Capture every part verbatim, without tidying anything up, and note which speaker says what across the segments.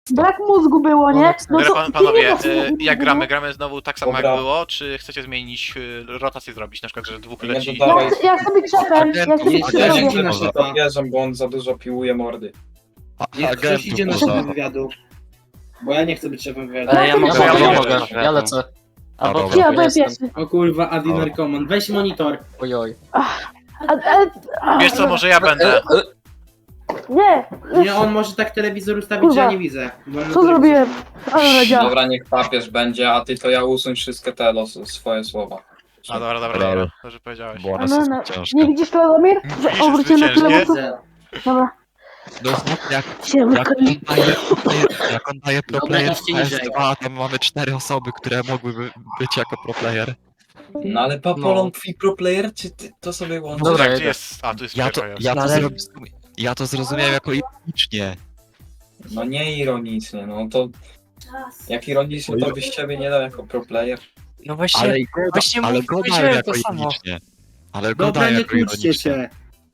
Speaker 1: Brak mózgu było, nie? No
Speaker 2: Dobra,
Speaker 1: to
Speaker 2: pan,
Speaker 1: ty
Speaker 2: panowie,
Speaker 1: nie masz
Speaker 2: e,
Speaker 1: mózgu,
Speaker 2: jak
Speaker 1: nie?
Speaker 2: gramy? Gramy znowu tak samo
Speaker 3: Dobra.
Speaker 2: jak było, czy chcecie zmienić, e, rotację zrobić? Na przykład, że dwóch
Speaker 3: Nie
Speaker 2: leci.
Speaker 3: dodawaj.
Speaker 1: Ja, ja sobie krzepem, ja sobie
Speaker 4: Nie,
Speaker 1: krzepem
Speaker 3: Ja
Speaker 4: Agent
Speaker 3: nie
Speaker 1: robię.
Speaker 3: chcę
Speaker 4: może.
Speaker 3: na to bierze, bo on za dużo piłuje mordy.
Speaker 4: Niech ktoś idzie na szefę
Speaker 5: może.
Speaker 4: wywiadu. Bo ja nie chcę być szefem wywiadu.
Speaker 6: Ale ja mogę,
Speaker 1: Ja
Speaker 6: ja,
Speaker 1: mogę.
Speaker 6: mogę, ja lecę. Albo
Speaker 4: dobra.
Speaker 1: Ja
Speaker 6: ja
Speaker 1: byłem
Speaker 6: jestem.
Speaker 1: pierwszy.
Speaker 4: O kurwa, Adi Narkoman. Weź monitor.
Speaker 6: Ojoj.
Speaker 1: A, a, a,
Speaker 2: Wiesz co, może ja będę.
Speaker 1: Nie,
Speaker 4: Nie, on może tak telewizor ustawić, że ja nie widzę. Bo on
Speaker 1: co zrobiłem? Ale działa.
Speaker 3: Dobra, niech papież będzie, a ty to ja usuń wszystkie te los, swoje słowa.
Speaker 2: A dobra, dobra,
Speaker 5: Dobra.
Speaker 2: dobra. To, że powiedziałeś.
Speaker 5: Bo ona
Speaker 1: No,
Speaker 5: jest
Speaker 1: no.
Speaker 5: ciężka.
Speaker 1: Nie widzisz Radomir? Że
Speaker 2: Widzisz,
Speaker 1: obróciłem na tyle
Speaker 2: zwyciężnie.
Speaker 1: mocno. Dobra,
Speaker 5: No znów jak,
Speaker 1: się
Speaker 5: jak, on
Speaker 1: wykończy.
Speaker 5: daje, player- jak on daje pro
Speaker 4: Dobra,
Speaker 5: player
Speaker 4: idźcie
Speaker 5: w P S
Speaker 4: niżej.
Speaker 5: dwa, tam mamy cztery osoby, które mogłyby być jako pro player.
Speaker 3: No ale Papolon twój pro player, czy ty to sobie łączysz?
Speaker 6: Dobra,
Speaker 2: Gdzie
Speaker 6: jedę.
Speaker 2: jest? A, tu jest
Speaker 5: Ja to,
Speaker 2: pierwsza, jest.
Speaker 5: ja to,
Speaker 6: Ale-
Speaker 5: zrozum- ja to zrozumiałem jako ironicznie.
Speaker 3: No nie ironicznie, no to jak ironicznie to byś ciebie nie dał jako pro player.
Speaker 6: No właśnie,
Speaker 5: Ale, go,
Speaker 6: właśnie
Speaker 5: ale
Speaker 6: mów-
Speaker 5: go dałem
Speaker 6: powiedziałem
Speaker 5: jako
Speaker 6: to samo.
Speaker 5: ironicznie. Ale go
Speaker 4: Dobra,
Speaker 5: dałem
Speaker 4: nie
Speaker 5: jako
Speaker 4: kłóćcie
Speaker 5: ironicznie.
Speaker 4: się.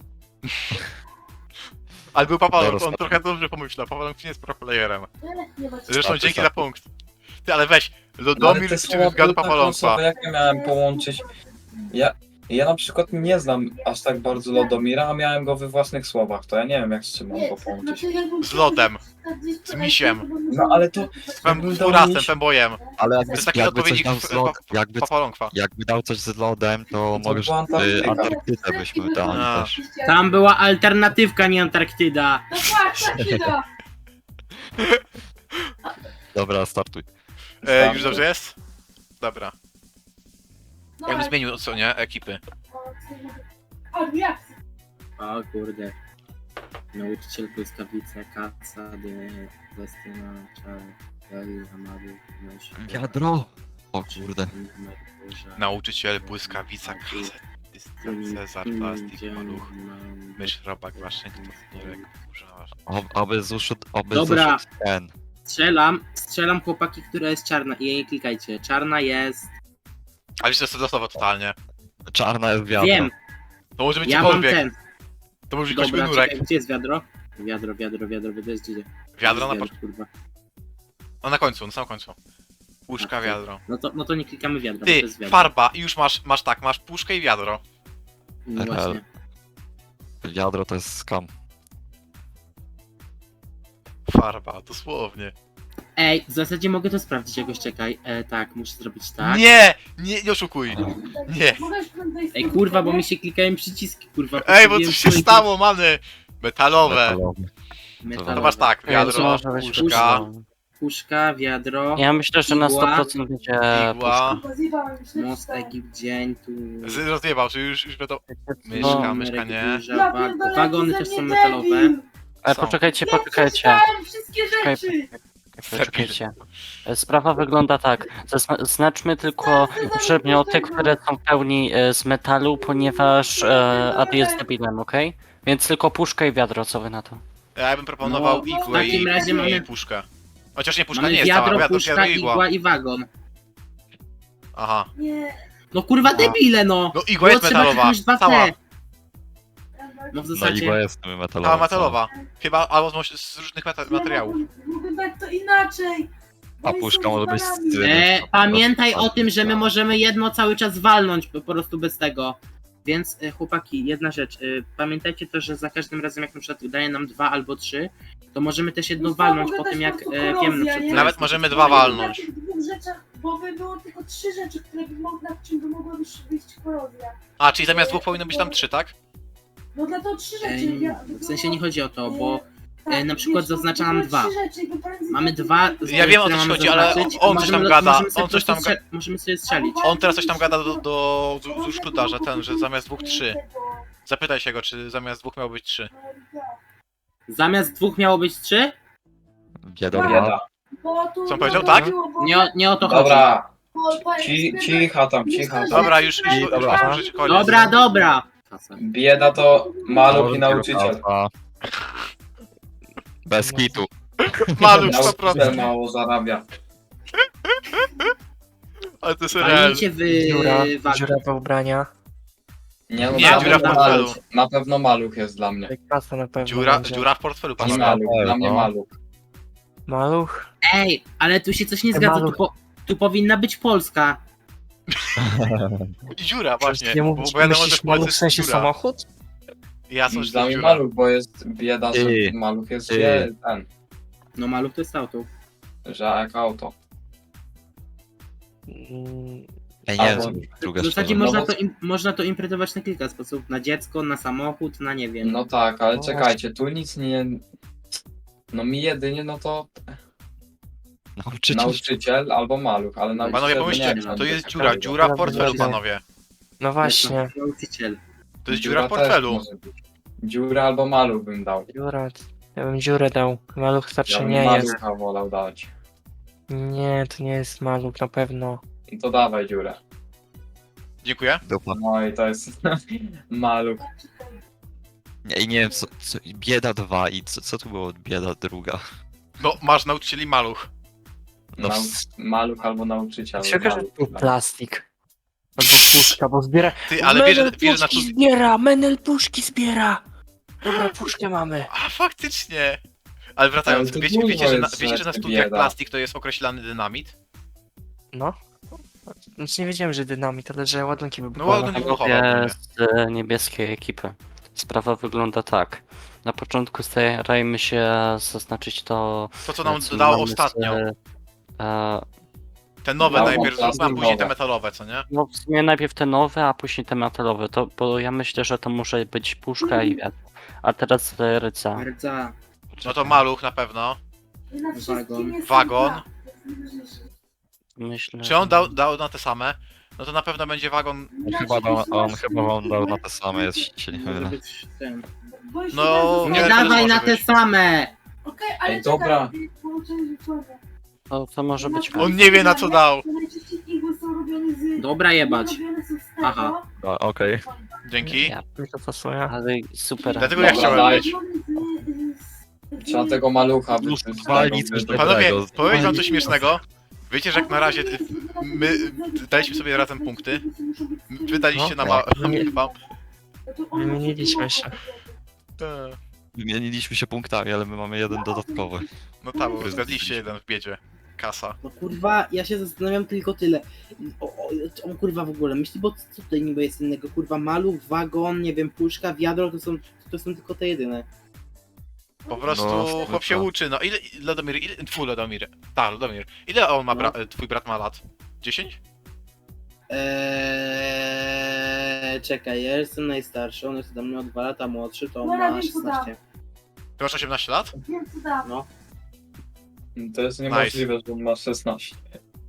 Speaker 2: Ale był Papalon,
Speaker 5: Dobra,
Speaker 2: on trochę dobrze pomyślał. Papalon nie jest pro playerem. Zresztą
Speaker 5: Startuj,
Speaker 2: dzięki za
Speaker 5: startuj.
Speaker 2: punkt. Ty, ale weź,
Speaker 3: No, ale
Speaker 2: Lodomir
Speaker 3: te
Speaker 2: czy
Speaker 3: słowa
Speaker 2: zgadu
Speaker 3: były tak
Speaker 2: Papalonca?
Speaker 3: losowe, jak ja miałem połączyć? Ja, ja na przykład nie znam aż tak bardzo Lodomira, a miałem go we własnych słowach, to ja nie wiem jak z czym mam go połączyć.
Speaker 2: Z lodem, z misiem,
Speaker 3: No ale to...
Speaker 2: z
Speaker 3: jakbym
Speaker 2: fem- z
Speaker 3: dał
Speaker 2: furasem,
Speaker 3: miś-
Speaker 2: fembojem.
Speaker 5: Ale
Speaker 2: To
Speaker 5: jakby,
Speaker 2: jest taki
Speaker 5: jakby coś
Speaker 2: odpowiednik
Speaker 5: dał
Speaker 2: f-
Speaker 5: z lod,
Speaker 2: pa-
Speaker 5: jakby,
Speaker 2: Papalonkwa.
Speaker 5: jakby dał coś z lodem, to
Speaker 3: To
Speaker 5: możesz
Speaker 3: była
Speaker 5: y,
Speaker 3: Antarktyka.
Speaker 5: Antarktydę byśmy dali
Speaker 2: A.
Speaker 5: też.
Speaker 4: Tam była alternatywka, nie Antarktyda.
Speaker 5: Dobra, startuj.
Speaker 2: E, już dobrze jest? Dobra. Ja bym zmienił co nie, ekipy.
Speaker 4: O kurde. Nauczyciel błyskawice, kaca, de, destyna, czar, Eli, Amadu, Mysz.
Speaker 5: Wiadro! O kurde.
Speaker 2: Nauczyciel, błyskawica, kazet, dystans, Cezar, plastik, maluch, mysz, robak, Waszyngton, Nierek, burza.
Speaker 5: Ob, oby zuszu, oby
Speaker 4: Dobra.
Speaker 5: zuszu ten.
Speaker 4: Strzelam, strzelam chłopaki, która jest czarna i jej nie klikajcie. Czarna jest...
Speaker 2: Ale wiesz, to jest losowo totalnie.
Speaker 5: Czarna jest wiadro.
Speaker 4: Wiem,
Speaker 2: To może być
Speaker 4: ja mam
Speaker 2: cokolwiek.
Speaker 4: ten.
Speaker 2: To może być jakiś
Speaker 4: Dobra,
Speaker 2: nurek.
Speaker 4: czekaj, gdzie jest wiadro? Wiadro, wiadro, wiadro, wiadro jest gdzie?
Speaker 2: Wiadro na,
Speaker 4: Wiadro,
Speaker 2: po...
Speaker 4: kurwa.
Speaker 2: no, na końcu, na samym końcu. Puszka,
Speaker 4: A, to-
Speaker 2: wiadro.
Speaker 4: No to, no to nie klikamy wiadro, bo to
Speaker 2: Ty,
Speaker 4: jest wiadro.
Speaker 2: farba i już masz, masz tak, masz puszkę i wiadro.
Speaker 4: No właśnie.
Speaker 5: Wiadro to jest skam.
Speaker 2: Farba, dosłownie.
Speaker 4: Ej, w zasadzie mogę to sprawdzić jakoś, czekaj. E, tak, muszę zrobić tak.
Speaker 2: Nie! Nie, nie oszukuj! Nie!
Speaker 4: Ej, kurwa, bo mi się klikają przyciski, kurwa.
Speaker 2: Ej, bo
Speaker 4: postawiłem
Speaker 2: coś się
Speaker 4: swoje-
Speaker 2: stało, many! Metalowe.
Speaker 5: Metalowy.
Speaker 4: Metalowe.
Speaker 2: To masz tak,
Speaker 6: Ej,
Speaker 2: wiadro,
Speaker 6: co może być
Speaker 2: puszka,
Speaker 4: Puszka, wiadro,
Speaker 6: Ja myślę, że na
Speaker 4: Igła.
Speaker 6: sto procent będzie
Speaker 2: igła.
Speaker 4: most, Egipt, dzień, tu...
Speaker 2: Z- Rozjebał, czy już, już to... Myszka,
Speaker 6: No,
Speaker 2: myszka nie.
Speaker 4: Duża, wag- Wagony też są metalowe.
Speaker 6: Ale
Speaker 2: Są.
Speaker 6: poczekajcie, poczekajcie.
Speaker 1: wszystkie
Speaker 6: Czekaj, Poczekajcie. Sprawa wygląda tak. Zazna- Znaczmy tylko przedmioty, które są w pełni e, z metalu, ponieważ e, Ady jest debilem, okej? Więc tylko puszka i wiadro, co wy na to?
Speaker 2: Ja bym proponował
Speaker 4: No, w
Speaker 2: igłę i,
Speaker 4: takim razie
Speaker 2: i
Speaker 4: mamy-
Speaker 2: puszkę. Chociaż nie, puszka
Speaker 4: Mamy
Speaker 2: nie jest cała,
Speaker 4: wiadro,
Speaker 2: wiadro,
Speaker 4: puszka,
Speaker 2: wiadro, igła.
Speaker 4: igła i wagon.
Speaker 2: Aha.
Speaker 4: No kurwa debile, no!
Speaker 2: No igła
Speaker 4: Było
Speaker 2: jest
Speaker 4: trzeba
Speaker 2: metalowa,
Speaker 4: kliknąć dwa
Speaker 2: cała.
Speaker 4: T. No w
Speaker 5: No
Speaker 4: zasadzie...
Speaker 5: igła jest metalowa.
Speaker 2: Cała metalowa. Chyba albo z, z różnych meta materiałów.
Speaker 1: Mogę dać to inaczej.
Speaker 5: A puszka może być z...
Speaker 4: E, pamiętaj o tym, że my możemy jedno cały czas walnąć po prostu bez tego. Więc e, chłopaki, jedna rzecz. E, pamiętajcie to, że za każdym razem jak na przykład daje nam dwa albo trzy, to możemy też jedno walnąć po tym jak e, wiemy na przykład.
Speaker 2: Nawet możemy dwa walnąć.
Speaker 1: W dwóch rzeczach, bo by było tylko trzy rzeczy, które by mogły, nad czym by mogła być wyjść korozja.
Speaker 2: A, czyli zamiast dwóch powinno być tam trzy, tak?
Speaker 1: No dla to trzy rzeczy.
Speaker 4: E,
Speaker 1: ja-
Speaker 4: w sensie nie chodzi o to, bo
Speaker 1: tak,
Speaker 4: e, na przykład
Speaker 1: wiesz,
Speaker 4: zaznacza
Speaker 1: to
Speaker 4: nam
Speaker 1: były
Speaker 4: dwa.
Speaker 1: trzy rzeczy i by paralizowało-
Speaker 4: mamy dwa.
Speaker 2: Ja wiem, o
Speaker 4: które
Speaker 2: co ci
Speaker 4: mamy
Speaker 2: chodzi, ale
Speaker 4: zaznaczyć,
Speaker 2: on coś
Speaker 4: możemy-
Speaker 2: tam gada,
Speaker 4: możemy sobie
Speaker 2: on coś
Speaker 4: po
Speaker 2: tam
Speaker 4: prostu strzel- Możemy sobie strzelić.
Speaker 2: On teraz coś tam gada do, do z- z Uszkuta, że ten, że zamiast dwóch trzy. Zapytaj się go, czy zamiast dwóch miało być trzy.
Speaker 4: Zamiast dwóch miało być trzy?
Speaker 5: Bieda.
Speaker 3: Bieda.
Speaker 1: Bo tu
Speaker 2: Co on powiedział,
Speaker 1: no,
Speaker 2: tak?
Speaker 1: chodziło, bo-
Speaker 4: Nie, o- nie o to chodzi.
Speaker 3: Dobra,
Speaker 1: bo- bo-
Speaker 3: ci, cicha tam, cicha tam.
Speaker 2: Dobra, już, już, już,
Speaker 5: Dobra.
Speaker 2: już możecie koniec.
Speaker 4: Dobra, dobra.
Speaker 3: Bieda to maluch i nauczyciel.
Speaker 5: Bez kitu.
Speaker 2: Maluch sto
Speaker 3: Nauczyciel
Speaker 2: procent.
Speaker 3: mało zarabia.
Speaker 2: Ale to jest real.
Speaker 4: Walnijcie w
Speaker 6: Dziura,
Speaker 4: wagon.
Speaker 6: dziura we ubrania.
Speaker 3: Nie, no,
Speaker 2: Nie,
Speaker 3: na
Speaker 2: dziura w
Speaker 3: pewno
Speaker 2: portfelu.
Speaker 3: maluch. Na pewno maluch jest dla mnie.
Speaker 6: Kasa na pewno
Speaker 2: Dziura,
Speaker 6: będzie.
Speaker 2: dziura w portfelu,
Speaker 3: Nie
Speaker 2: panowie.
Speaker 3: maluch, dla mnie
Speaker 5: no.
Speaker 3: maluch.
Speaker 7: Maluch?
Speaker 4: Ej, ale tu się coś nie
Speaker 7: Ej,
Speaker 4: zgadza, tu,
Speaker 7: Maluch.
Speaker 4: po, tu powinna być Polska.
Speaker 2: I dziura właśnie,
Speaker 7: Nie
Speaker 2: bo
Speaker 7: mówisz,
Speaker 2: bo wiadomo, że
Speaker 7: myślisz
Speaker 2: w Polsce
Speaker 7: maluch w
Speaker 2: jest
Speaker 7: sensie
Speaker 2: dziura.
Speaker 7: samochód?
Speaker 2: Ja sądzę, że
Speaker 3: Dla
Speaker 2: to
Speaker 3: mnie
Speaker 2: dziura.
Speaker 3: maluch, bo jest bieda, że
Speaker 5: Ty.
Speaker 3: maluch jest
Speaker 5: Ty.
Speaker 3: wie, ten,
Speaker 4: No maluch to jest auto.
Speaker 3: że jak auto.
Speaker 7: Mm,
Speaker 5: Ej, nie
Speaker 3: Albo-
Speaker 5: wiem, co druga
Speaker 4: W zasadzie
Speaker 5: strona.
Speaker 4: można
Speaker 3: bo-
Speaker 4: to, im, można to interpretować na kilka sposobów. Na dziecko, na samochód, na nie wiem.
Speaker 3: No tak, ale
Speaker 7: No
Speaker 3: czekajcie, tu nic nie... No mi jedynie, no to
Speaker 5: Nauczyciel.
Speaker 3: nauczyciel albo maluch, ale nauczyciel...
Speaker 2: Panowie,
Speaker 3: to
Speaker 2: pomyślcie,
Speaker 3: nie wiem,
Speaker 2: to jest
Speaker 3: taka
Speaker 2: dziura,
Speaker 3: fajna.
Speaker 2: dziura w
Speaker 7: Dobra,
Speaker 2: portfelu,
Speaker 7: dobra.
Speaker 2: panowie.
Speaker 7: No właśnie,
Speaker 4: Nauczyciel.
Speaker 2: To jest dziura w
Speaker 3: też
Speaker 2: portfelu.
Speaker 3: może być. Dziura albo maluch bym dał.
Speaker 7: dziura. Ja bym dziurę dał. Maluch
Speaker 3: Ja
Speaker 7: raczej
Speaker 3: bym
Speaker 7: nie jest.
Speaker 3: malucha wolał dać.
Speaker 7: Nie, to nie jest maluch na pewno.
Speaker 3: I to dawaj dziurę.
Speaker 2: Dziękuję.
Speaker 5: Dupa.
Speaker 3: No i to jest maluch.
Speaker 5: Nie, i nie wiem, co, co, bieda dwa i co, co tu było bieda druga?
Speaker 2: No, masz nauczycieli maluch.
Speaker 5: No,
Speaker 3: Nau...
Speaker 5: w-
Speaker 3: Maluch albo nauczyciel.
Speaker 7: Się okaże, że
Speaker 3: maluch,
Speaker 7: był
Speaker 3: tak.
Speaker 7: plastik. Albo puszka, bo zbiera.
Speaker 2: Ty, ale wiesz,
Speaker 7: Menel
Speaker 2: że- wiesz, że na
Speaker 7: puszki
Speaker 2: to...
Speaker 7: zbiera! Menel puszki zbiera! Dobra, puszkę mamy.
Speaker 2: A, faktycznie. Ale wracając,
Speaker 3: Ale to
Speaker 2: wiecie,
Speaker 3: dużo
Speaker 2: wiecie, że na,
Speaker 3: jest
Speaker 2: wiecie, że na
Speaker 3: rzeczy
Speaker 2: studiach
Speaker 3: bieda.
Speaker 2: plastik to jest określany dynamit?
Speaker 7: No. Znaczy nie wiedziałem, że dynamit, ale że ładunki
Speaker 2: No
Speaker 7: wybuchowe.
Speaker 2: ładunki wybuchowe.
Speaker 6: Panowie z e, niebieskiej ekipy. Sprawa wygląda tak. Na początku starajmy się zaznaczyć to,
Speaker 2: To, co nam
Speaker 6: co
Speaker 2: dodało
Speaker 6: mamy z,
Speaker 2: ostatnio.
Speaker 6: e, e,
Speaker 2: Te nowe
Speaker 3: Dobra,
Speaker 2: najpierw
Speaker 3: plastik
Speaker 2: zróbmy, a później te
Speaker 3: nowe.
Speaker 2: metalowe, co nie?
Speaker 6: No w sumie najpierw te nowe, a później te metalowe, to, bo ja myślę, że to może być puszka i wiatr. A teraz ryca.
Speaker 4: Rdza.
Speaker 2: No to maluch na pewno.
Speaker 1: Na wszystkim
Speaker 4: Wagon.
Speaker 1: jest
Speaker 2: Wagon.
Speaker 1: tak. To jest najważniejsze.
Speaker 6: Myślę,
Speaker 2: Czy on
Speaker 6: że-
Speaker 2: dał, dał na te same? No to na pewno będzie wagon.
Speaker 5: on chyba, dał, on chyba on dał na te same, jeśli się nie
Speaker 4: Może
Speaker 5: mylę.
Speaker 4: być ten.
Speaker 1: Bo jeśli
Speaker 2: No,
Speaker 1: tak
Speaker 2: nie
Speaker 4: Nie
Speaker 2: wiem, co to
Speaker 4: dawaj
Speaker 2: może
Speaker 4: na te
Speaker 2: być.
Speaker 4: same!
Speaker 1: Okej, ale
Speaker 3: Ej, dobra.
Speaker 1: czekaj, połączenie rzeczowe.
Speaker 6: to, to może być
Speaker 2: On nie wie, na co dał.
Speaker 1: To najczęściej igły są robione z...
Speaker 4: Dobra jebać.
Speaker 1: robione są z tego.
Speaker 4: Aha.
Speaker 5: A, Okej.
Speaker 2: Dzięki.
Speaker 6: Ja,
Speaker 7: Mi to pasuje.
Speaker 6: ale super.
Speaker 2: Dlatego ja
Speaker 3: Dobra,
Speaker 2: chciałem
Speaker 3: daj.
Speaker 2: być.
Speaker 3: Trzeba tego malucha
Speaker 5: Już
Speaker 3: wyrzucić z
Speaker 5: dwa
Speaker 3: tego,
Speaker 5: nic
Speaker 3: wyrzucić.
Speaker 5: dobrego.
Speaker 2: Panowie,
Speaker 5: Dobrego.
Speaker 2: powiem wam coś śmiesznego. Wiecie, że jak na razie y, my y, daliśmy sobie razem punkty. Wy daliście na ma...
Speaker 7: Nie.
Speaker 2: wam.
Speaker 7: Wymieniliśmy się.
Speaker 2: Te.
Speaker 5: Wymieniliśmy się punktami, ale my mamy jeden dodatkowy.
Speaker 2: No tak, bo zgadliście jeden w biedzie. Kasa.
Speaker 4: No kurwa, ja się zastanawiam tylko tyle. O, o, o kurwa w ogóle, myśli, bo co tutaj niby jest innego? Kurwa, maluch, wagon, nie wiem, puszka, wiadro, to są, to są tylko te jedyne.
Speaker 2: Po prostu
Speaker 5: No,
Speaker 2: chłop się
Speaker 5: tak.
Speaker 2: uczy. No ile, Lodomir, ile, twój Lodomir. Tak, Lodomir. Ile on ma, bra... twój brat ma lat? dziesięć?
Speaker 4: Eee, czekaj, ja jestem najstarszy, on jest ode mnie o dwa lata młodszy, to on
Speaker 1: No,
Speaker 4: ma
Speaker 1: wiem, co
Speaker 4: szesnaście.
Speaker 2: Ty masz osiemnaście lat?
Speaker 1: Wiem co dam.
Speaker 4: No.
Speaker 3: To jest niemożliwe, że on ma szesnaście.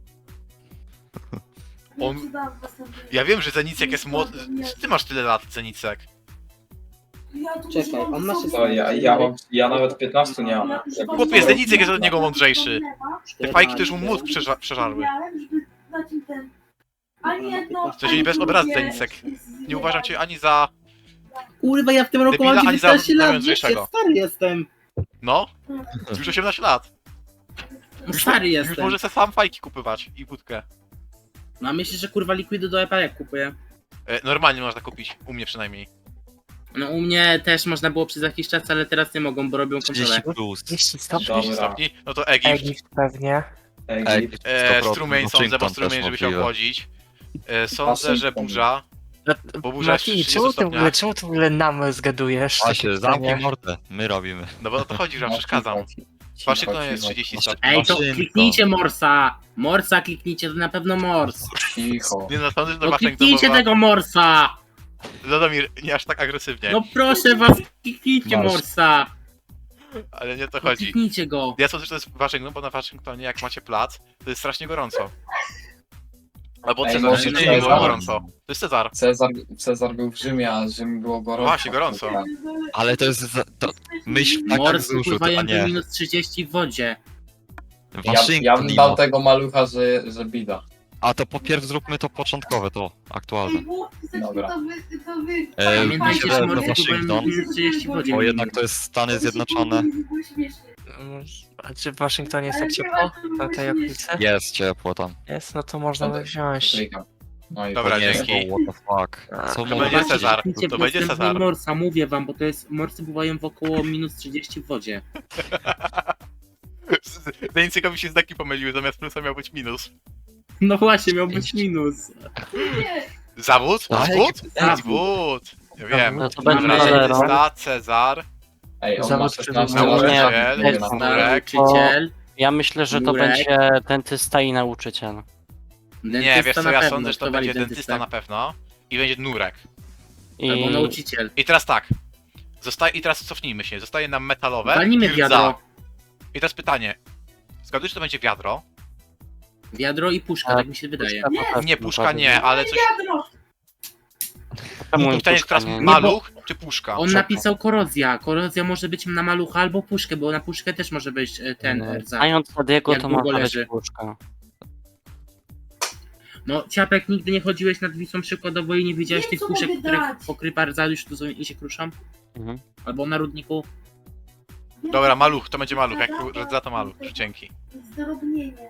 Speaker 2: On-
Speaker 1: Wiem, co dam w następnym.
Speaker 2: Ja wiem, że Zenicek jest młody. Ty masz tyle lat, Zenicek.
Speaker 1: Ja tu
Speaker 4: Czekaj,
Speaker 1: używam
Speaker 4: on ma
Speaker 1: sobie-
Speaker 3: To ja, ja, mam, ja nawet piętnastu nie mam.
Speaker 1: Ja używam
Speaker 2: Chłopie,
Speaker 1: sobie-
Speaker 2: Zenicek jest od niego mądrzejszy. Te fajki to już mu mózg
Speaker 4: czternaście.
Speaker 2: przeża przeżarły.
Speaker 1: Miałem, żeby dać im ten... Ani jedno...
Speaker 2: W sensie bez obrazy, Zenicek. Nie uważam cię ani za...
Speaker 4: Kurwa, ja w tym roku
Speaker 2: Debila,
Speaker 4: mam
Speaker 2: ani za
Speaker 4: dziewiętnaście lat, wiesz,
Speaker 2: mądrzejszego.
Speaker 4: ja stary jestem.
Speaker 2: No? Już osiemnaście lat. Już,
Speaker 4: Stary
Speaker 2: już
Speaker 4: jestem.
Speaker 2: może sobie sam fajki kupywać i wódkę.
Speaker 4: No a myślisz, że kurwa likwidy do epa jak kupuję?
Speaker 2: E, normalnie można kupić, u mnie przynajmniej.
Speaker 4: No u mnie też można było przez jakiś czas, ale teraz nie mogą, bo robią kontrolę.
Speaker 5: trzydzieści plus.
Speaker 7: trzydzieści stopni.
Speaker 2: trzydzieści
Speaker 3: Dobra.
Speaker 2: stopni, no to Egipt.
Speaker 7: Egipt pewnie.
Speaker 3: Egipt.
Speaker 2: E,
Speaker 5: sto procent
Speaker 2: strumień sądzę, bo
Speaker 5: Washington
Speaker 2: strumień,
Speaker 5: też
Speaker 2: żeby się
Speaker 5: możliwe.
Speaker 2: obchodzić. E, sądzę, że
Speaker 3: Waszyngton.
Speaker 2: burza. Bo burza jest
Speaker 7: Mati,
Speaker 2: przy
Speaker 7: czemu
Speaker 2: trzydziestu
Speaker 7: ty w ogóle,
Speaker 2: stopniach.
Speaker 7: czemu ty w ogóle nam zgadujesz?
Speaker 5: Właśnie,
Speaker 7: Takie
Speaker 5: zamknij
Speaker 7: pytanie.
Speaker 5: mordę. My robimy.
Speaker 2: No bo o to chodzi, że wam
Speaker 3: No,
Speaker 2: przeszkadzam.
Speaker 3: cicho, cicho,
Speaker 2: Waszyngton jest
Speaker 3: cicho,
Speaker 2: trzydzieści
Speaker 5: cicho.
Speaker 2: stopni.
Speaker 4: Ej, to
Speaker 5: Maszynko.
Speaker 4: kliknijcie Morsa! Morsa kliknijcie, to na pewno Mors.
Speaker 3: Cicho.
Speaker 2: Nie no, sądzę, że
Speaker 4: No
Speaker 2: Waszyngton
Speaker 4: kliknijcie
Speaker 2: bo-
Speaker 4: tego Morsa!
Speaker 2: Lodomir, nie aż tak agresywnie.
Speaker 4: No proszę was, kliknijcie
Speaker 3: Mors.
Speaker 4: Morsa!
Speaker 2: Ale nie o to
Speaker 4: No
Speaker 2: chodzi.
Speaker 4: kliknijcie go!
Speaker 2: Ja sądzę, że to jest Waszyngton, bo na Waszyngtonie jak macie plac, to jest strasznie gorąco. Albo
Speaker 3: Ej,
Speaker 2: Cezar,
Speaker 3: może
Speaker 2: nie,
Speaker 3: to
Speaker 2: nie
Speaker 3: jest
Speaker 2: było
Speaker 3: Cezar.
Speaker 2: gorąco. To jest Cezar.
Speaker 3: Cezar, Cezar był w Rzymie, a Rzym było gorąco.
Speaker 2: Właśnie, gorąco.
Speaker 5: Ale to jest... Za, to myśl tak jak
Speaker 4: Mors
Speaker 5: wzruszył,
Speaker 4: pływają
Speaker 5: a
Speaker 4: do
Speaker 5: nie.
Speaker 4: minus trzydzieści w wodzie.
Speaker 3: Ja, ja
Speaker 5: Waszyngton
Speaker 3: bym
Speaker 5: nie
Speaker 3: dał
Speaker 5: ma.
Speaker 3: tego malucha, że, że bida.
Speaker 5: A to po pierw zróbmy to początkowe, to aktualne.
Speaker 3: Dobra.
Speaker 1: To wy, to wy.
Speaker 5: E,
Speaker 4: Pamiętajcie,
Speaker 5: myślę,
Speaker 4: że
Speaker 5: że
Speaker 4: Mors pływają do
Speaker 5: Waszyngton,
Speaker 4: minus trzydzieści w wodzie.
Speaker 5: bo jednak to jest Stany Zjednoczone.
Speaker 7: Mm, A czy w Waszyngtonie jest tak ciepło? Na tej okolicy?
Speaker 5: Jest ciepło tam.
Speaker 7: Jest, no to można by wziąć.
Speaker 3: Klika. No i
Speaker 2: Dobra,
Speaker 3: to nie
Speaker 2: dzięki.
Speaker 3: jest.
Speaker 5: What the fuck.
Speaker 7: A,
Speaker 5: Co
Speaker 7: to
Speaker 5: mówię?
Speaker 2: będzie Cezar.
Speaker 4: Kliknijcie
Speaker 2: To
Speaker 4: w
Speaker 2: będzie
Speaker 4: następnego
Speaker 2: Cezar.
Speaker 4: Morsa, mówię wam, bo to jest... Morsy pływają w około minus trzydzieści w wodzie.
Speaker 2: Deńcykowi się znaki pomyliły, zamiast plusa miał być minus.
Speaker 4: No właśnie, miał być minus.
Speaker 1: Nie,
Speaker 2: Zawód?
Speaker 5: Tak.
Speaker 2: Zawód?
Speaker 4: Zawód.
Speaker 2: Zawód. Ja wiem.
Speaker 6: No to będzie
Speaker 2: Dobra,
Speaker 6: Valero.
Speaker 2: dentysta, Cezar,
Speaker 3: Ej, on ma
Speaker 7: Zawód
Speaker 3: szesnaście
Speaker 2: nauczyciel,
Speaker 3: lat.
Speaker 6: nie,
Speaker 3: Nie,
Speaker 6: nie,
Speaker 3: na-
Speaker 2: Murek.
Speaker 4: Nauczyciel.
Speaker 6: Ja myślę, że to
Speaker 4: Jurek.
Speaker 6: będzie dentysta i nauczyciel.
Speaker 2: Nie,
Speaker 4: Dentysta
Speaker 2: wiesz co,
Speaker 4: na
Speaker 2: ja
Speaker 4: pewno,
Speaker 2: sądzę, że to
Speaker 4: kto wali
Speaker 2: będzie dentysta
Speaker 4: dentystę?
Speaker 2: na pewno. I będzie Nurek.
Speaker 6: I
Speaker 4: Albo nauczyciel.
Speaker 2: I teraz tak. Zostaje, I teraz cofnijmy się. Zostaje nam metalowe.
Speaker 4: Walnijmy
Speaker 2: i rdza.
Speaker 4: wiadro.
Speaker 2: I teraz pytanie. Zgadujesz, że to będzie wiadro?
Speaker 4: Wiadro i puszka, tak mi się wydaje.
Speaker 6: Puszka to pewnie
Speaker 2: Nie, puszka
Speaker 6: bardziej.
Speaker 2: nie, ale coś...
Speaker 1: wiadro.
Speaker 6: Czemu
Speaker 2: Pytanie jest
Speaker 6: puszka
Speaker 2: teraz
Speaker 6: nie?
Speaker 2: maluch czy puszka?
Speaker 4: On napisał korozja. Korozja może być na malucha albo puszkę, bo na puszkę też może być e, ten
Speaker 6: Nie.
Speaker 4: rdza.
Speaker 6: Znając Adiego,
Speaker 4: Jak
Speaker 6: to
Speaker 4: długo
Speaker 6: może być
Speaker 4: leży.
Speaker 6: puszka.
Speaker 4: No, Ciapek, nigdy nie chodziłeś nad Wisłą przykładowo i nie widziałeś
Speaker 1: Wiem,
Speaker 4: tych
Speaker 1: co
Speaker 4: puszek,
Speaker 1: mogę
Speaker 4: które
Speaker 1: dać.
Speaker 4: pokrywa rdza już tu są i się kruszą?
Speaker 6: Mhm.
Speaker 4: Albo na Rudniku?
Speaker 2: Dobra, maluch, to będzie maluch. Jak rdza to maluch. Dzięki.
Speaker 1: Zdrobnienie.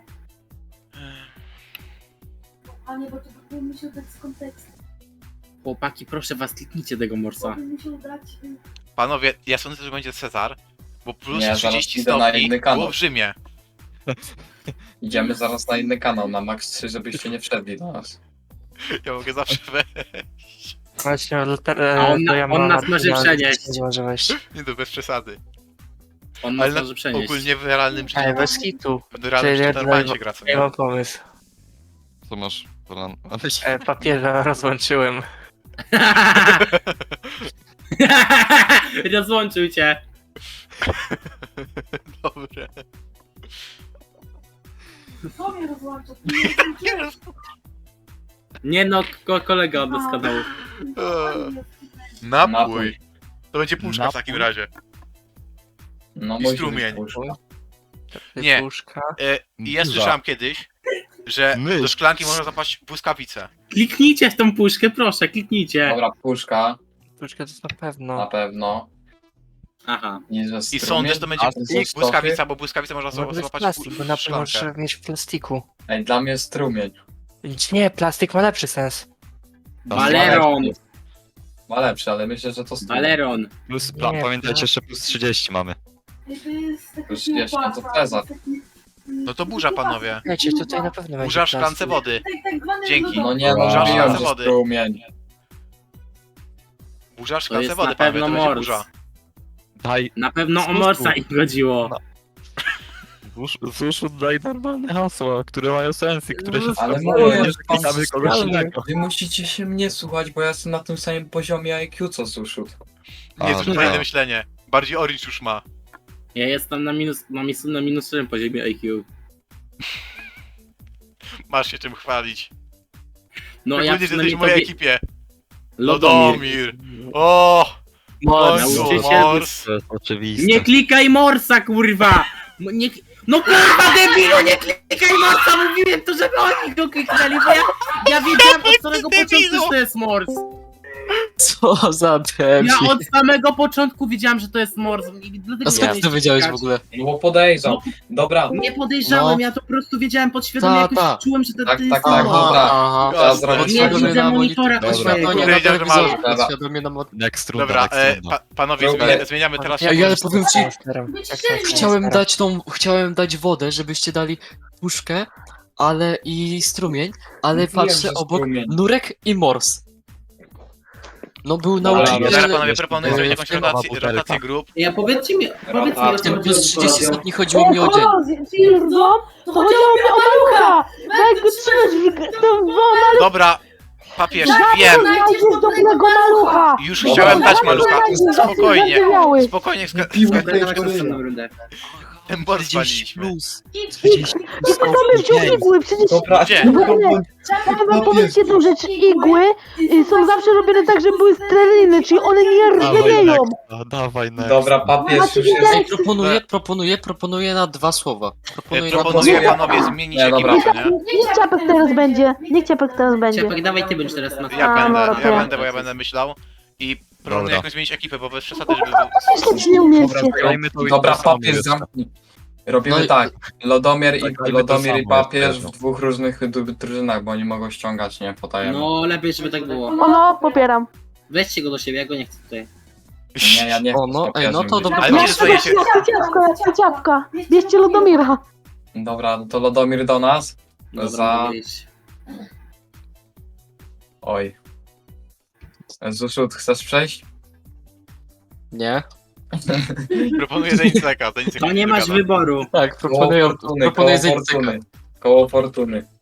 Speaker 1: A nie, bo to by musiał dać z kontekstu.
Speaker 4: Chłopaki, proszę was, kliknijcie tego morsa.
Speaker 1: By musiał dać... y,
Speaker 2: Panowie, ja sądzę, że będzie Cezar. Bo plus
Speaker 3: Nie, zaraz
Speaker 2: trzydzieści
Speaker 3: idę na
Speaker 2: stopni
Speaker 3: inny kanał.
Speaker 2: było w Rzymie.
Speaker 3: Idziemy zaraz na inny kanał, na max trzy, żebyście nie wszedli do nas.
Speaker 2: Ja mogę zawsze wejść.
Speaker 7: Właśnie,
Speaker 4: A on na- on nas może przenieść.
Speaker 7: Nie może wejść.
Speaker 2: Nie, to bez przesady.
Speaker 4: On
Speaker 2: Ale
Speaker 4: nas
Speaker 2: na,
Speaker 4: może przenieść.
Speaker 2: ogólnie w realnym życiu.
Speaker 7: Ej, bez kitu.
Speaker 2: W realnym
Speaker 7: Czyli
Speaker 2: życiu normalnie
Speaker 7: dla-
Speaker 2: się gra, co
Speaker 7: Nie
Speaker 2: nie?
Speaker 7: mam pomysł.
Speaker 5: Co masz plan?
Speaker 7: E, papieża rozłączyłem.
Speaker 4: Rozłączył cię.
Speaker 2: Dobre.
Speaker 1: Co mnie rozłącza? To nie rozłączyłeś.
Speaker 4: Nie no, ko kolega od nas kanału.
Speaker 2: Eee. Napój.
Speaker 3: Napój.
Speaker 2: To będzie puszka w takim
Speaker 5: Napój?
Speaker 2: razie.
Speaker 3: No
Speaker 2: I
Speaker 3: musi
Speaker 2: strumień.
Speaker 3: być puszka.
Speaker 2: Nie.
Speaker 7: Puszka.
Speaker 2: E, I ja
Speaker 5: Duża.
Speaker 2: słyszałem kiedyś, że
Speaker 5: My.
Speaker 2: do szklanki można zapaść błyskawicę.
Speaker 4: Kliknijcie w tą puszkę, proszę, kliknijcie.
Speaker 3: Dobra, puszka,
Speaker 7: Puszka to na
Speaker 3: na
Speaker 7: pewno.
Speaker 3: pewno.
Speaker 4: Aha.
Speaker 3: I, że
Speaker 2: I
Speaker 3: strumień,
Speaker 2: sądzę, że to będzie
Speaker 3: a to są stopy.
Speaker 2: błyskawica, bo błyskawicę można
Speaker 7: Może być
Speaker 2: złapać
Speaker 7: plastik, bo
Speaker 2: w
Speaker 7: na pewno
Speaker 2: szklankę.
Speaker 7: może mieć w plastiku.
Speaker 3: Ej, dla mnie strumień.
Speaker 7: Nie, plastik ma lepszy sens.
Speaker 4: Valeron.
Speaker 3: Ma lepszy, ale myślę, że to strumień.
Speaker 4: Valeron.
Speaker 5: Plus, pa,
Speaker 7: Nie,
Speaker 5: pamiętajcie, że plus trzydzieści mamy.
Speaker 1: Ej, to jest taka
Speaker 3: Już jeszcze
Speaker 1: kiełbasa,
Speaker 3: to Cezar.
Speaker 1: to jest taki, mm,
Speaker 2: No to burza, panowie.
Speaker 7: Wiecie, tutaj na pewno będzie
Speaker 2: Burza w szklance
Speaker 7: plastik.
Speaker 2: wody.
Speaker 1: Tak, tak zwany
Speaker 2: Dzięki.
Speaker 3: No nie, no
Speaker 2: Burza w
Speaker 3: wiem,
Speaker 2: szklance
Speaker 3: że
Speaker 2: wody.
Speaker 3: strumień.
Speaker 2: Burza w
Speaker 4: To
Speaker 2: szklance
Speaker 4: jest
Speaker 2: wody,
Speaker 4: na
Speaker 2: panowie,
Speaker 4: pewno
Speaker 2: to będzie
Speaker 4: mors.
Speaker 2: burza.
Speaker 5: Daj,
Speaker 4: Na pewno o
Speaker 5: Słuszku.
Speaker 4: morsa im chodziło.
Speaker 5: Zuszu daj normalne hasła, które mają sens i które się
Speaker 3: Ale
Speaker 5: sprawdzają,
Speaker 3: mówię,
Speaker 5: nie
Speaker 3: że
Speaker 5: że klikamy kogoś
Speaker 3: ale
Speaker 5: innego.
Speaker 3: wy musicie się mnie słuchać, bo ja jestem na tym samym poziomie I Q co Sushut.
Speaker 2: Nie,
Speaker 5: A,
Speaker 2: zupełnie
Speaker 5: no.
Speaker 2: inne myślenie. Bardziej Orange już ma.
Speaker 4: Ja jestem na minus, mam jestem na minusowym poziomie I Q.
Speaker 2: Masz się czym chwalić.
Speaker 4: No ja
Speaker 2: Szczególnie, że jesteś
Speaker 4: przynajmniej
Speaker 2: w mojej
Speaker 4: tobie...
Speaker 2: ekipie.
Speaker 4: Lodomir.
Speaker 2: Lodomir. O!
Speaker 6: Mors.
Speaker 2: Końcu,
Speaker 4: nauczyciel-
Speaker 2: Mors.
Speaker 5: To jest oczywiste.
Speaker 4: Nie klikaj morsa, kurwa! No, nie... no kurwa debilu, nie klikaj morsa! Mówiłem to, żeby oni go kliknęli, bo ja, ja wiedziałem od samego początku, że to jest mors.
Speaker 8: Co za debil.
Speaker 4: Ja od samego początku wiedziałem, że to jest mors. i dlatego
Speaker 8: A skąd
Speaker 4: nie
Speaker 8: ty to wiedziałeś w
Speaker 4: klikać.
Speaker 8: ogóle?
Speaker 3: No bo podejrzał. Dobra,
Speaker 4: Nie podejrzałem,
Speaker 8: No.
Speaker 4: ja to po prostu wiedziałem podświadomie,
Speaker 8: Ta,
Speaker 4: jakoś
Speaker 8: ta.
Speaker 4: czułem, że to,
Speaker 3: Tak,
Speaker 4: to jest
Speaker 3: tak, tak,
Speaker 4: mors.
Speaker 3: dobra.
Speaker 8: aha.
Speaker 3: Ja zrobię
Speaker 4: Nie
Speaker 3: Podświadomie
Speaker 4: widzę
Speaker 8: na
Speaker 4: monitora
Speaker 8: monitor.
Speaker 4: swojego.
Speaker 8: Podświadomie na
Speaker 2: Powiedział, że ma-
Speaker 8: telewizorze,
Speaker 3: Dobra.
Speaker 8: podświadomie na mod...
Speaker 5: Next runda,
Speaker 2: Dobra,
Speaker 5: next
Speaker 2: e,
Speaker 5: runda.
Speaker 2: pa, panowie,
Speaker 3: Dobra.
Speaker 2: zmienia, zmieniamy teraz.
Speaker 8: Ej, ale powiem ci,
Speaker 1: Wyciszymy.
Speaker 8: chciałem dać tą, chciałem dać wodę, żebyście dali puszkę, ale i strumień, ale
Speaker 3: Mówiłem,
Speaker 8: patrzę
Speaker 3: że
Speaker 8: obok
Speaker 3: strumień.
Speaker 8: Nurek i Mors. No był
Speaker 3: Dobra,
Speaker 8: nauczyciel...
Speaker 2: Teraz panowie proponuję
Speaker 8: e,
Speaker 2: zrobić
Speaker 8: w
Speaker 2: jakąś
Speaker 8: tym-
Speaker 2: rotację, rotację grup.
Speaker 4: Ja powiedzcie mi, powiedz mi, o
Speaker 8: W
Speaker 4: co
Speaker 8: tym
Speaker 4: chodzi
Speaker 8: plus
Speaker 4: o
Speaker 8: trzydzieści
Speaker 4: Korozję.
Speaker 8: stopni chodziło mi o dzień.
Speaker 9: Twierdzą, to chodziło mi o malucha! Jak go trzymać w to w
Speaker 2: Dobra, papież, wiem.
Speaker 9: znajdziesz dobrego malucha!
Speaker 2: Już
Speaker 3: Dobra.
Speaker 2: chciałem dać
Speaker 9: Dobra,
Speaker 2: malucha.
Speaker 9: znajdziesz
Speaker 2: Spokojnie.
Speaker 9: zardzewiały.
Speaker 2: Spokojnie, ska-
Speaker 3: Piłkę
Speaker 4: Dobra, dawaj
Speaker 3: to
Speaker 4: następną rundę.
Speaker 2: ten bot
Speaker 5: czterdzieści
Speaker 2: spaliliśmy.
Speaker 5: plus.
Speaker 9: I
Speaker 5: czterdzieści
Speaker 9: I to sobie wziął igły, przecież...
Speaker 3: Dobra,
Speaker 2: Gdzie?
Speaker 9: No bo nie, chciałem wam powiedzieć jedną rzecz, igły y, są zawsze robione tak, żeby były streliny, czyli one nie
Speaker 5: Dawaj
Speaker 9: rdzewieją.
Speaker 5: next, dawaj next.
Speaker 3: dobra, papież już jest.
Speaker 8: Ej, proponuję, proponuję, proponuję na dwa słowa.
Speaker 2: E,
Speaker 8: Proponuję na dwa
Speaker 2: Proponuję
Speaker 8: słowa.
Speaker 2: panowie zmienić
Speaker 3: Nie, dobra.
Speaker 2: ekipę, co nie?
Speaker 9: Niech Ciapek teraz będzie, niech Ciapek teraz będzie.
Speaker 4: Ciapek, dawaj ty będziesz teraz na
Speaker 2: Ja
Speaker 9: A,
Speaker 2: będę,
Speaker 9: no,
Speaker 2: ja
Speaker 9: dobra.
Speaker 2: będę, bo ja będę myślał. I proponuję
Speaker 5: Dobra.
Speaker 2: jakąś zmienić ekipę, bo bez przesady, żeby był...
Speaker 9: Myśleć nie umiecie.
Speaker 5: Dobra, zagrajmy to i
Speaker 3: Dobra,
Speaker 5: to samo
Speaker 3: papież
Speaker 5: jeszcze.
Speaker 3: zamknij. Robimy
Speaker 8: No i-
Speaker 3: tak. Lodomir i,
Speaker 5: Zagrajmy to
Speaker 3: Lodomir i
Speaker 5: samo
Speaker 3: papież
Speaker 5: jeszcze.
Speaker 3: w dwóch różnych du- drużynach, bo oni mogą ściągać, nie? Potajemnie.
Speaker 4: No, lepiej, żeby tak było.
Speaker 9: O no, popieram.
Speaker 4: Weźcie go do siebie, ja go nie chcę tutaj.
Speaker 3: Nie, ja nie chcę
Speaker 8: O, no,
Speaker 3: z
Speaker 8: ej,
Speaker 3: papieżem
Speaker 8: no to
Speaker 3: być.
Speaker 8: dobra.
Speaker 2: Ale
Speaker 9: Ja
Speaker 2: wiecie, co
Speaker 9: chcę
Speaker 2: ja się...
Speaker 9: ciapka, ja chcę ciapka. Bierzcie Lodomira.
Speaker 3: Dobra, no to Lodomir do nas.
Speaker 4: Dobra,
Speaker 3: Za-
Speaker 4: mogę iść.
Speaker 3: Oj. Zuszut, chcesz przejść?
Speaker 8: Nie?
Speaker 2: Proponuję Deniseka, Denisek
Speaker 4: To nie masz
Speaker 2: wygada.
Speaker 4: wyboru.
Speaker 8: Tak,
Speaker 3: Koło
Speaker 8: proponuję,
Speaker 3: fortuny, koło
Speaker 8: proponuję Zeniceka.
Speaker 3: fortuny. Koło fortuny.